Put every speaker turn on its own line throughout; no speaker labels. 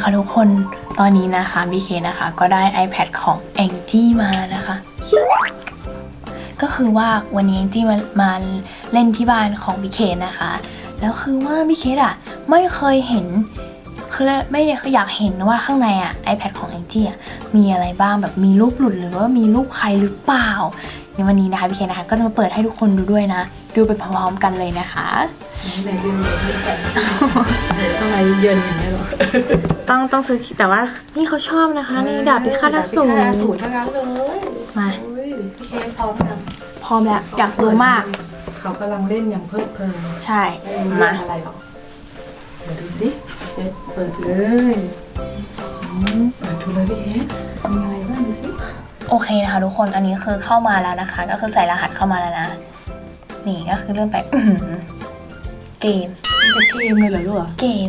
นะคะทุกคนตอนนี้นะคะบีเคนะคะก็ได้ iPad ของแองจี้มานะคะก็คือว่าวันนี้แองจี้มาเล่นที่บ้านของบีเคนะคะแล้วคือว่าบีเคอะไม่เคยเห็นคือไม่อยากเห็นว่าข้างในiPad ของแองจี้มีอะไรบ้างแบบมีรูปหลุดหรือว่ามีรูปใครหรือเปล่าในวันนี้นะคะบีเคนะคะก็จะมาเปิดให้ทุกคนดูด้วยนะดูไปพร้อมๆกันเลยนะคะ
ไหนดูต้องอะไรเยินอย่างนี้หรอ
ต้องซื้อแต่ว่านี่เขาชอบนะคะนี่ดาบพิฆาตอสูร
ทั้งนั้นเลย
มา
พี่เคพร้อมยัง
พร้อมแล้วอยากรู้มาก
เขากำลังเล่นอย่างเพลิดเพลิน
ใช่
มาอะไรหรอเดี๋ยวดูสิเปิดเลยเปิดดูเลยพี่เคมีอะไรบ้างดูสิ
โอเคนะคะทุกคนอันนี้คือเข้ามาแล้วนะคะก็คือใส่รหัสเข้ามาแล้วนะนี่ก็คือเริ่มไปเกม
เป็นเกมเลยเหรอลูก
เกม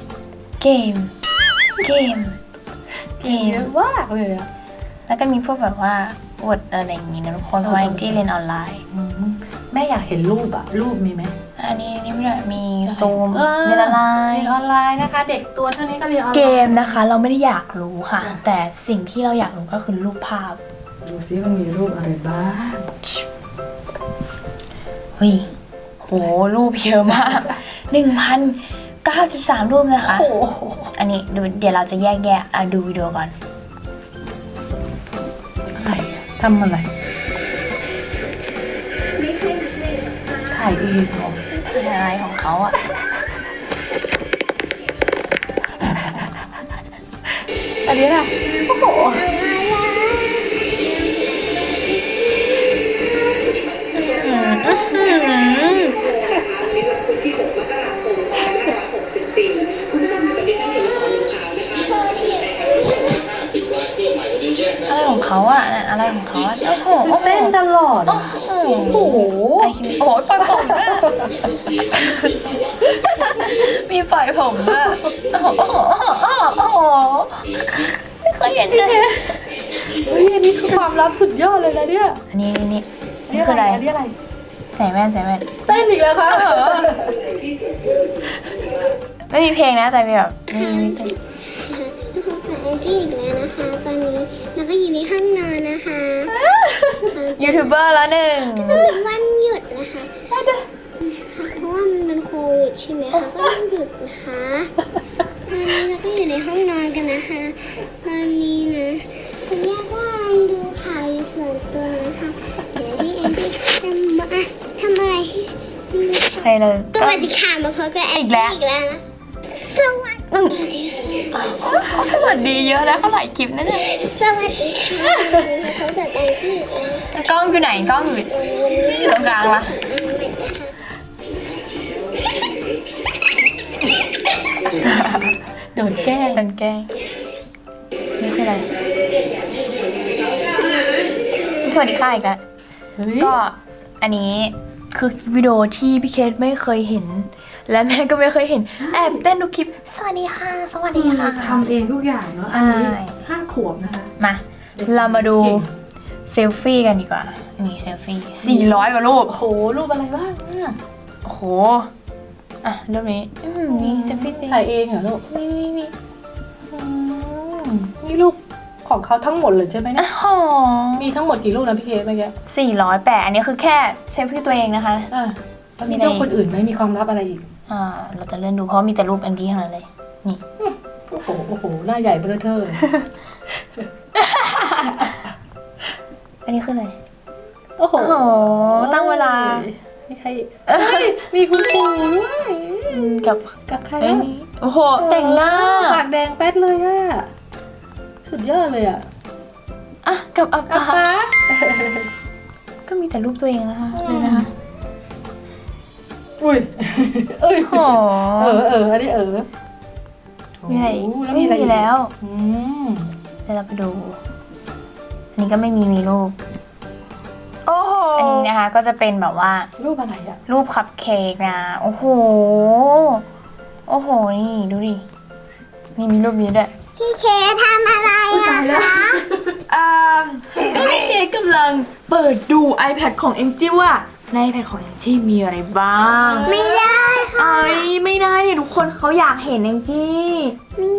เยอะมากเลยอะ
แล้วก็มีพวกแบบว่าบทอะไรอย่างงี้นะทุกคนเพราะว่าแองจี้เรียนออนไลน์
แม่อยากเห็นรูปอะรูปมีไหม
อันนี้ไม่ได้มีซูมเรียนออนไล
น์นะคะเด็กตัวเท่านี้ก็เรียนออนไลน์
เกมนะคะเราไม่ได้อยากรู้ค่ะแต่สิ่งที่เราอยากรู้ก็คือรูปภาพ
ดูซิมันมีรูปอะไรบ้าง
เฮ้ยโหรูปเยอะมาก 1,093 รูปนะคะอันนี้ดูเดี๋ยวเราจะแยกดูวิดีโอก่อน
อะไรทำอะไรถ่ายเองเหรอ
ถ่ายอะไรของเขา
อันนี้น่ะโอ้โห
อะไรของเขาอะไรของเขาโอ้โห
เต้นตลอด
โอ้โหไอคิมโอ้ยปล่อยผมมีปล่อยผมด้วยโอ้โหไม่เคยเห็นเลย
เฮ้ยอันนี้คือความลับสุดยอดเลยนะเนี่ย
อันนี้คืออะไรใส่แว่น
เต้นอีกแล้วคะ
ไม่มีเพลงนะแต่แบบมีเพลง
แองจี้อีกแล้วนะคะตอนนี้แล้วก็อยู่ในห้องนอนนะคะ
ยูทูบเบอร์แล้วหนึ่ง
วันหยุดนะคะเพราะว่ามันเป็นโควิดใช่ไหมคะก็ต้องหยุดนะคะตอนนี้เราก็อยู่ในห้องนอนกันนะคะตอนนี้นะคุณแม่ก็ดูข่าวส่วนตัวนะคะเดี๋ยวที่แองจี้ทำอะไร
ใครเลย
สวัสดีค่ะมาพบกับแองจี้อีกแล้วนะ
สวัสดีเยอะแล้วเขาหลายคลิปนะเนี่ย
สวัสดีค่ะเขาเกิดแองจี้
กล้องอยู่ไหนกล้องอยู่ตรงกลางละ
โดนแกล้ง
นี่คืออะไรสวัสดีค่ะอีกแล้วก็อันนี้คือวิดีโอที่พี่เคสไม่เคยเห็นและแม่ก็ไม่เคยเห็นแอบเต้นดูคลิปสวัสดีค่ะ
ทำเองทุกอย่างเนาะอันนี้5 ขวบนะคะ
มาเรามาดูเซลฟี่กันดีกว่านี่เซลฟี่400 กว่ารูป
โอ้โหรูปอะไรบ้าง
โอ้โหรูปนี้นี่เซลฟี่
ถ่ายเองเหรอลูกนี่รูปของเขาทั้งหมดเลยใช่ไหมเนี่ยมีทั้งหมดกี่รูปนะพี่เคสเมื่อกี้
408อันนี้คือแค่เซลฟี่ตัวเองนะคะ
มีรูปคนอื่นไหมมีความลับอะไรอีก
เราจะเลื่อนดูเพราะมีแต่รูปแองกี้ทั้งนั้นเลยนี่
โอ้โหหน้าใหญ่เบ้อเท่อ
อันนี้คืออะไร
โอ้โห
ตั้งเวลา
มีใครมีคุณปู่ด้วยกับใคร
โอ้โหแต่งหน้า
ปากแดงแป๊ดเลยสุดยอดเลย
กับอาปาก็มีแต่รูปตัวเองนะคะเลยนะคะ
อุ้ย
โอ้
อันนี้
มีอะไรไม่มีแล้วเดี๋ยวเราไปดูอันนี้ก็ไม่มีรูปโอ้โหอันนี้นะคะก็จะเป็นแบบว่า
รูปอะไร
รูปคัพเค้กนะโอ้โหนี่ดูดินี่มีรูปนี้ด้วย
พี่เคทำอะไรคะ
ก็พี่เคกำลังเปิดดู iPad ของแองจี้ว่าใน iPad ของแองจี้มีอะไรบ้าง
ไม่ได้ค่ะ
ไม่ได้เนี่ยทุกคนเขาอยากเห็นแองจี้
ไม่ได้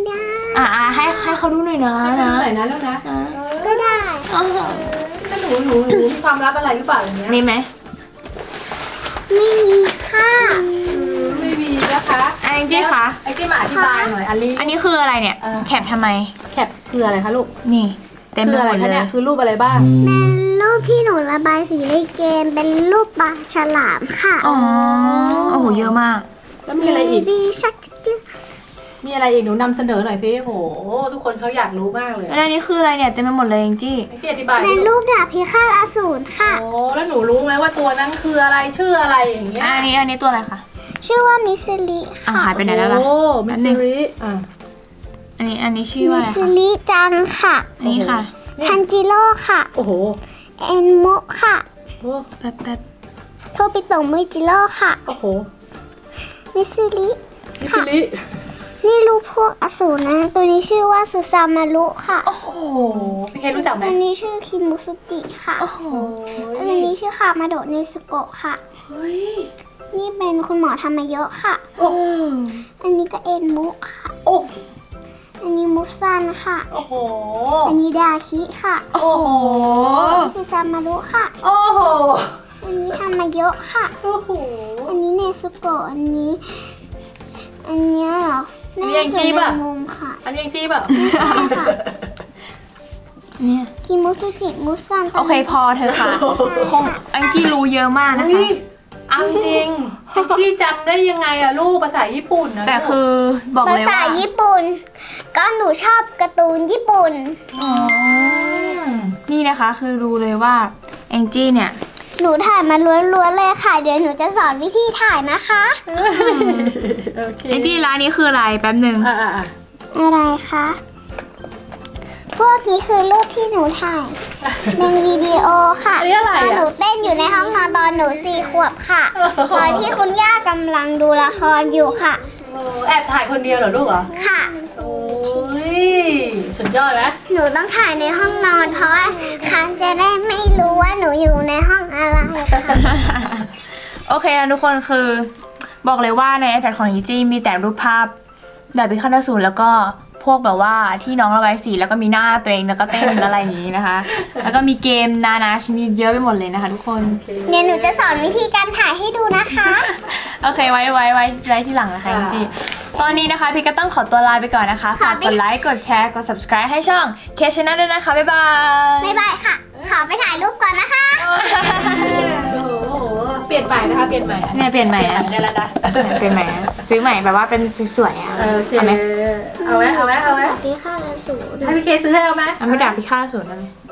ให้เขาดูหน่อยนะ
ให้ดูหน่อยนะลูกนะ
ก็ได้
ถ้าหนูมีความลับอะไรหรือเปล่าอย่างเงี้ย
มีไหม
ไม่มีค่ะ
ไม่มีนะคะ
แองจี้คะ
ไอ้ที่มาอธิบายหน่อยอันนี้
อันนี้คืออะไรเนี่ย แคปทำไม
แคปคืออะไรคะลูก
นี่ เต็มไป
คือ
ห
อะไร
มด
คะ
เล
เนี่ย ยคือรูปอะไรบ้าง
เป็นรูปที่หนูระบายสีในเกมเป็นรูปปลาฉลามค่ะ
อ๋อ โอ้โห เยอะมาก
แล้วมีอะไรอีก
บีชักจิ๊ก
มีอะไรอีกหนูนำเสนอหน่อยสิโหทุกคนเขาอยากรู้มากเลย
แล้วอันนี้คืออะไรเนี่ย เต็มไปหมดเลยแองจี้
ไอ้ที่อธิบาย
เป็นรูปดาบพิฆาตอสูรค่ะ
โอ้แล้วหนูรู้ไหมว่าตัวนั้นคืออะไรชื่ออะไรอย่างเงี้ย
อันนี้ตัวอะไรคะ
ชื่อว่ามิสซิลิ
อ่ะ
ค่ะ
หายไปไหนแล้วล่ะ
โอ้มิสซิริอ่ะ
อันนี้ชื่อว่า
มิ
อะไร
สซิ
คะ
ลิจังค่ะ
อันนี้ค่ะ
ทันจิโร่ค่ะ
โอ้โห
เอ็นโมะค่ะ
โอ้
แป๊บ
โทปิโตะมุยจิโร่ค่ะ
โอ้โห
มิสซิลิ
มิสซิริ
นี่รูปพวกอสูรนะ ตัวนี้ชื่อว่าสุซามารุค่ะ
โอ้โห
พี่เครู้จักไหม
ตัวนี้ชื่อคิมุสุจิค่ะ
โอ้โห
ตัวนี้ชื่อคามาโดะเนสโกะค่ะ
เฮ้ย
นี่เป็นคุณหมอทามาเยอะค่ะ
โอ้
อันนี้ก็เอ็นมุค่ะ
โอ้
อันนี้มุซันค่ะ
โอ้โห
อันนี้ดาคิค่ะ
โอ้โห
อันนี้สุซามารุค่ะ
โอ้โห
อันนี้ทามาเยอะค่ะ
โอ้โห
อันนี้เนซุโกะอันนี้เหรอ
อันนี้ยังจี้ป่ะ
น่าจเป็นมุมค่ะ
อันนี้ยังจี้เปล่า
ใช่ค่ะ
เนี่ย
คิมุสุจิมุซัน
โอเคพอเธอะค่ะ คงแองจี้รู้เยอะมากนะ
เฮ้
คะ
ยเอาจริงพี่จำได้ยังไงอะลูกภาษาญี่ปุ่นนะ
แต่คือบอก
ภา
เลย
ษา
ว่า
ญี่ปุ่น ก็หนูชอบการ์ตูนญี่ปุ่น
อ๋อนี่นะคะคือรู้เลยว่าแองจี้เนี่ย
หนูถ่ายมาล้วนๆเลยค่ะ เดี๋ยวหนูจะสอนวิธีถ่ายนะคะ
โอเค
แองจี้ร้านนี้คืออะไรแป๊บหนึ่ง
อ่า
อะไรคะ พวกนี้คือรูปที่หนูถ่าย เป็นวิดีโอค่ะ
อันนี้อะไร
ตอนหนู
อะ
เต้นอยู่ในห้องนอนตอนหนู4 ขวบค่ะ ตอนที่คุณย่ากำลังดูละครอยู่ค่ะ
โอ้แอบถ่ายคนเดียวเหรอลูกเหรอ
ค่ะ
โอ้ยสุดยอดไหม
หนูต้องถ่ายในห้องนอนเพราะว่าเขาจะได้ไม่รู้ว่าหนูอยู่ในห้องอะไรค่ะ
โอเคนะทุกคนคือบอกเลยว่าใน iPad ของแองจี้มีแต่รูปภาพแบบพิฆาตอสูรแล้วก็พวกแบบว่าที่น้องระบายสีแล้วก็มีหน้าตัวเองแล้วก็เต้นอะไรอย่างนี้นะคะ แล้วก็มีเกมนานาชนิดเยอะไปหมดเลยนะคะ ทุกคน
เดี๋ยวหนูจะสอนวิธีการถ่ายให้ดูนะคะ
โอเคไว้ที่หลังนะคะแองจี้ตอนนี้นะคะพี่ก็ต้องขอตัวลาไปก่อนนะคะฝากกดไลค์กดแชร์กด subscribe ให้ช่อง K Channel ด้วยนะคะบ๊ายบาย
บ๊ายบายค่ะ ขอไปถ่ายรูปก่อนนะคะ
โอ้โหเปลี่ยนใหม่นะคะเปลี่ยนใหม่
เนี่ยเปลี่ยนใหม่นะ
ได้แล้วนะ
เปลี่ยนใหม่นะซื้อใหม่แบบว่าเป็นสวยๆอ่ะ
โอเค
เอาไหม
เอาไหม
พี่ข้าและสูร
ให้พี่เคซื้อให้เอาไหม
เอาไม่ด่าพิฆาตอสูรได้ไหม